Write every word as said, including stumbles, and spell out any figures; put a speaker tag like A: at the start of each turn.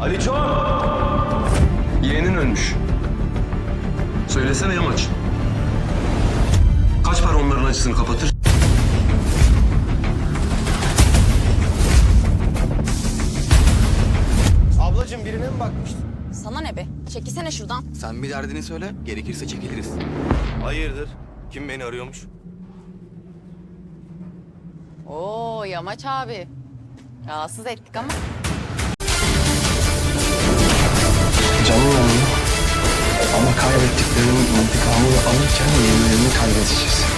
A: Aliço! Yeğenin ölmüş. Söylesene Yamaç. Kaç para onların acısını kapatır?
B: Ablacığım birine mi bakmıştın?
C: Sana ne be? Çekilsene şuradan.
D: Sen bir derdini söyle, gerekirse çekiliriz.
B: Hayırdır? Kim beni arıyormuş?
C: Oo Yamaç abi. Rahatsız ettik ama.
E: Canım yandı. Ama kaybettiklerinin intikamını alırken yenilerini kaybedeceğiz.